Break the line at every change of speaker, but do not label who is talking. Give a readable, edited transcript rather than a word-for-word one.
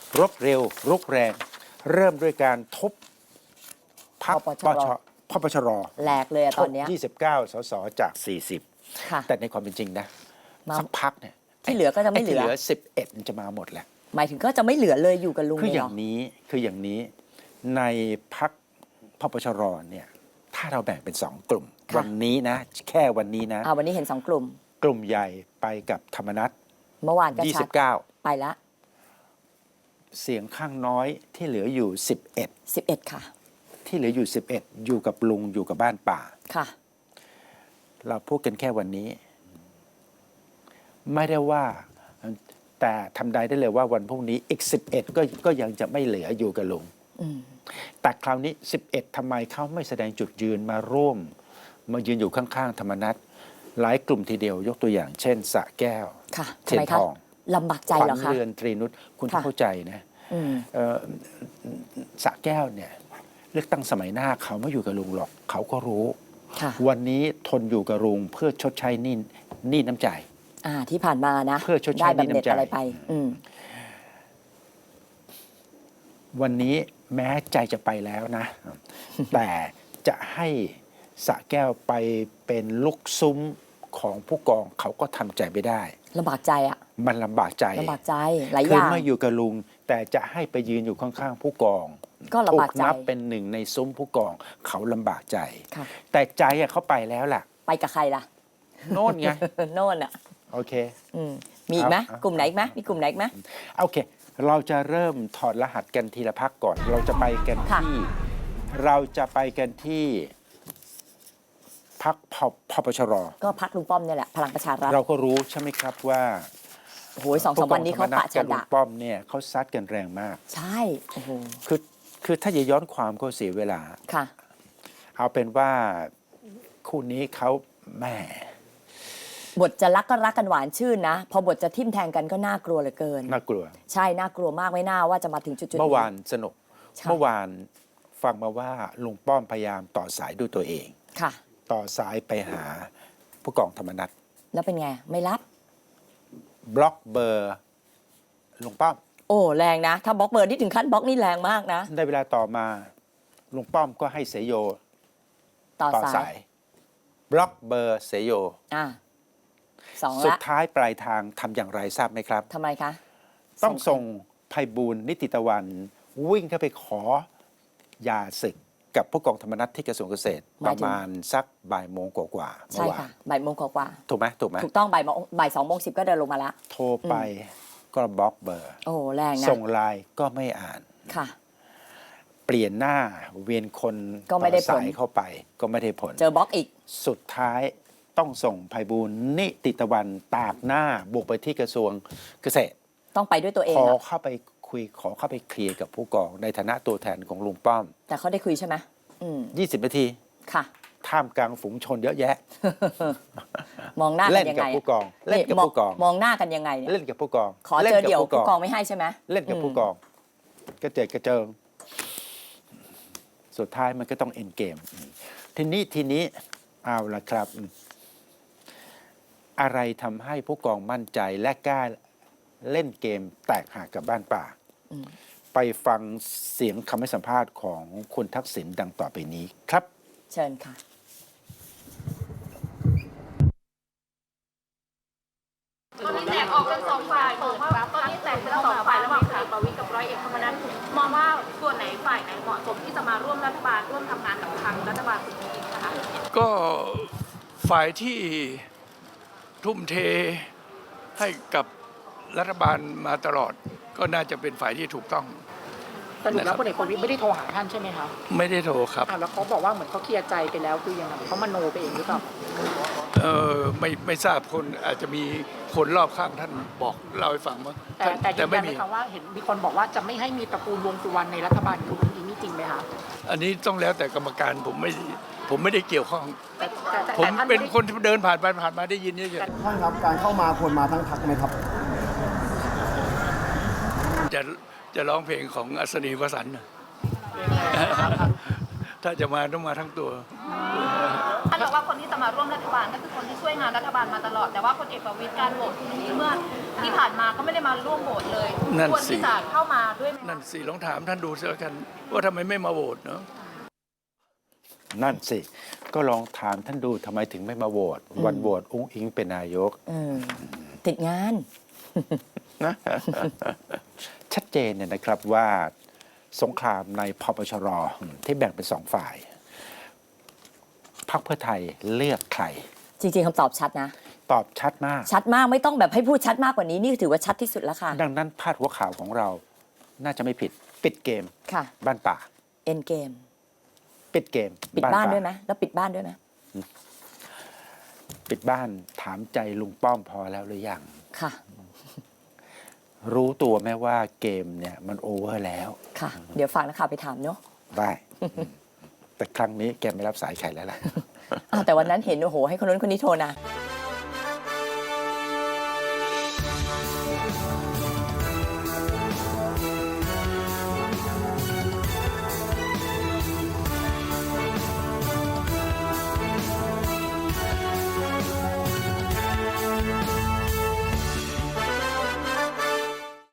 รบเร็วรุกแรง เริ่มด้วยการทบพรรคพปชร
แหลกเลยตอนนี้
29 สสจาก
ค่ะ
40 แต่ในความเป็นจริงนะสักพักเนี่ย
ที่เหลือก็จะไม่เหลือ
11มันจะมาหมดแหละ
หมายถึงก็จะไม่เหลือเลยอยู่กับลุง
คือ
เลย
อ
เหร
ย่า
อง
นี้ในพรรคพปชรเนี่ยถ้าเราแบ่งเป็น2 กลุ่ม วันนี้นะแค่วันนี้นะ
วันนี้เห็น2 กลุ่ม
กลุ่มใหญ่ไปกับธรรมนัส
เมื่อวานก็ชัด
29
ไปละ
เสียงข้างน้อยที่เหลืออยู่
11 ค่ะ
ที่เหลืออยู่ 11 อยู่กับลุงอยู่กับบ้านป่า
ค่ะ
เราพูดกันแค่วันนี้ ไม่ได้ว่าแต่ทำได้เลยว่าวันพรุ่งนี้อีก 11 ก็ยังจะไม่เหลืออยู่กับลุง แต่คราวนี้ 11ทำไมเขาไม่แสดงจุดยืนมาร่วม มายืนอยู่ข้างๆธรรมนัสหลายกลุ่มทีเดียวยกตัวอย่าง เช่นสระแก้ว
ค่ะ
เทียนทอง
ลำบากใจ
ขวั
เหรอ
ญ
คะ
เรือนตรีนุชคุณต้องเข้าใจนะสระแก้วเนี่ยเลือกตั้งสมัยหน้าเขาไม่อยู่กับลุงหรอก เขาก็รู้ วันนี้ทนอยู่กับลุงเพื่อชดใช้หนี้น้ำใจ
ที่ผ่านมานะ
เพื่อชดใช้
ได้บำเหน็จ
หนี้น้ำใจ
อะไรไป
วันนี้แม้ใจจะไปแล้วนะ แต่จะให้สระแก้วไปเป็นลูกซุ้มของผู้กองเขาก็ทำใจไม่ได้
ลำบากใจอ่ะ
มันลำบากใจ
ลำบากใจหลายอ
คือย่าง ไม่อยู่กับลุง แต่จะให้ไปยืนอยู่ข้างๆผู้กอง
ก็ลำบากใจ
ถูนับเป็นหนึ่งในซุ้มผู้กองเขาลำบากใจ
ค่ะ
แต่ใจอะเขาไปแล้วล่ะ
ไปกับใครล่ะ
โน่นไง
โน่นอ่ะ
โอเค
มีอีกไหม
เอา
กลุ่มไหนอีกไหมมีกลุ่มไหนอีกไหม
โอเค เราจะเริ่มถอดรหัสกันทีละพักก่อน เราจะไปกัน
ค่ะ
ที่ เราจะไปกันที่พักพปชร
ก็พักลุงป้อมเนี่ยแหละพลังประชารัฐ
เราก็รู้ใช่ไหมครับว่า
โอ้โห2-3 วันนี้เขาปะ
กั
ฉะ
ลุ
ดะ
งป้อมเนี่ยเขาซัดกันแรงมาก
ใช่โอ้โห
คือถ้าจะย้อนความก็เสียเวลา
ค่ะ
เอาเป็นว่าคู่นี้เขาแหม่
บทจะรักก็รักกันหวานชื่นนะ พอบทจะทิ่มแทงกันก็น่ากลัวเหลือเกิน
น่ากลัว
ใช่น่ากลัวมากไม่น่าว่าจะมาถึงจุดๆ
เมื่อวานสนุก
ใช่
เมื่อวานฟังมาว่าลุงป้อมพยายามต่อสายด้วยตัวเอง
ค่ะ
ต่อสายไปหาผู้กองธรรมนัฐ
แล้วเป็นไงไม่รับบ
ล็อกเบอร์ลุงป้อม
โอ้แรงนะ ถ้าบล็อกเบอร์ที่ถึงขั้นบล็อกนี่แรงมากนะ
ได้เวลาต่อมาลุงป้อมก็ให้เสยโย
ต่อ
ต่อ
สา
สาย ยบล็อกเบอร์เสยโย
2
สุด
ละ
ท้ายปลายทางทำอย่างไรทราบไหมครับ
ทำไมคะ
ต้องส่งไพบูลย์นิติตะวัน วิ่งเข้าไปขอยาศึกกับผู้กองธรรมนัฐที่กระทรวงเกษตร ประมาณสักบ่ายโมงกว่าๆเมื่
ใช่
อวา
ค่ะ
น
บ่ายโมงกว่า
ถูกไหมถูกไหม
ๆถูกต้องบ่าย2:10ก็เดินลงมาแล้ว
โทรไปก็บล็อกเบอร์
โอ้แรงนะ
ส่งไลน์ก็ไม่อ่าน
ค่ะ
เปลี่ยนหน้าเวียนคน
ก็ไม่ได้ผล
ต่อสายเข้าไปก็ไม่ได้ผล
เจอบล็อกอีก
สุดท้ายต้องส่งไพบูลย์นิติตะวันตากหน้าบุกไปที่กระทรวงเกษตร
ต้องไปด้วยตัวเอง
ขอ
อะ
เข้าไปคุยขอเข้าไปเคลียร์กับผู้กองในฐานะตัวแทนของลุงป้อม
แต่เขาได้คุยใช่ไหม
20 นาที
ค่ะ
ท่ามกลางฝูงชนเยอะแยะ
มองหน้ากั
เล่
น
น
ยัง
กับ
ไง
ผู้กองเล่นกับผู้กอง
มองหน้ากันยังไงเนี่ย
เล่นกับผู้กอง
ขอเจอเดี่ยวผู้กองไม่ให้ใช่ไหม
เล่นกับผู้กองกระเจิดกระเจิง สุดท้ายมันก็ต้องเอ็นเกม ทีนี้เอาละครับ อะไรทำให้ผู้กองมั่นใจและกล้าเล่นเกมแตกหักกับบ้านป่า ไปฟังเสียงคำให้สัมภาษณ์ของคุณทักษิณดังต่อไปนี้ครับ
เชิญค่ะ
ตอนนี้แตกออกเป็นสองฝ่ายมองว่าตอนนี้แตกเป็นสองฝ่ายระหว่างพลเอกประวิตรกับร้อยเอกธรรมนัฐมองว่าส่วนไหนฝ่ายไหนเหมาะสมที่จะมาร่วมรัฐบาลร่วมทำงานกับทางรัฐบาลคุณจริงๆนะคะ
ก็ฝ่ายที่ทุ่มเทให้กับรัฐบาลมาตลอด ก็น่าจะเป็นฝ่ายที่ถูกต้อง
สรุปแล้วพลเอกประวิตรไม่ได้โทรหาท่านใช่ไหมคะ
ไม่ได้โทรครับ
แล้วเขาบอกว่าเหมือนเขาเคลียร์ใจไปแล้วคือยังไงเขามโนไปเองหรือเปล่า
ไม่ทราบคนอาจจะมีคนรอบข้างท่านบอกเล่าให้ฟังมั้ง
แต่ยืน
ไม่
ยันไหม
มี
คะว่าเห็นมีคนบอกว่าจะไม่ให้มีตระกูลวงสุวรรณในรัฐบาลคุณอุ้งอิงนี่จริงไหมคะ
อันนี้ต้องแล้วแต่กรรมการผมไม่ได้เกี่ยวข้อง
แต่
ผม
ท่าน
เป็นคนที่เดินผ่านไปผ่านมาได้ยินเฉย
ท่านครับการเข้ามาควรมาทั้งพักไหมครับ
ๆจะร้องเพลงของอัศนีวสันต์น่ะถ้าจะมาต้องมาทั้งตัว
อันานบอกว่าคนที่จะมาร่วมรัฐบาลก็คือคนที่ช่วยงานรัฐบาลมาตลอด แต่ว่าพลเอกประวิตรการโหวตเมื่อที่ผ่านมาก็ไม่ได้มาร่วมโหวตเลย
นั่น
ควร
สิ
ที่จะเข้ามาด้วยไหม
นั่นสิลองถามท่านดูเสียกัน ว่าทำไมไม่มาโหวตเนาะ
นั่นสิ ก็ลองถามท่านดูทำไมถึงไม่มาโหวตวันโหวตอุ้งอิงเป็นนายก
ติดงาน
ชัดเจนเนี่ยนะครับว่าสงครามในพปชรที่แบ่งเป็นสองฝ่ายพรรคเพื่อไทยเลือกใคร
จริง ๆคำตอบชัดนะ
ตอบชัดมาก
ชัดมากไม่ต้องแบบให้พูดชัดมากกว่านี้นี่ถือว่าชัดที่สุดแล้วค่ะ
ดังนั้นพาดหัวข่าวของเราน่าจะไม่ผิด ปิดเกม
ค่ะ
บ้านป่า
เอ็นเกม
ปิดเกม
ปิดบ้าน
ป่
ด้วยไหมแล้วปิดบ้านด้วยไหม
ปิดบ้านถามใจลุงป้อมพอแล้วหรือยัง
ค่ะ
รู้ตัวไหมว่าเกมเนี่ยมันโอเวอร์แล้ว
ค่ะ เดี๋ยวฝากนักข่าวไปถามเนาะ
ได้ แต่ครั้งนี้แกไม่รับสายใครแล้วล่ะ
แต่วันนั้นเห็นโอ้โหให้คนนู้นคนนี้โทรนะ
เ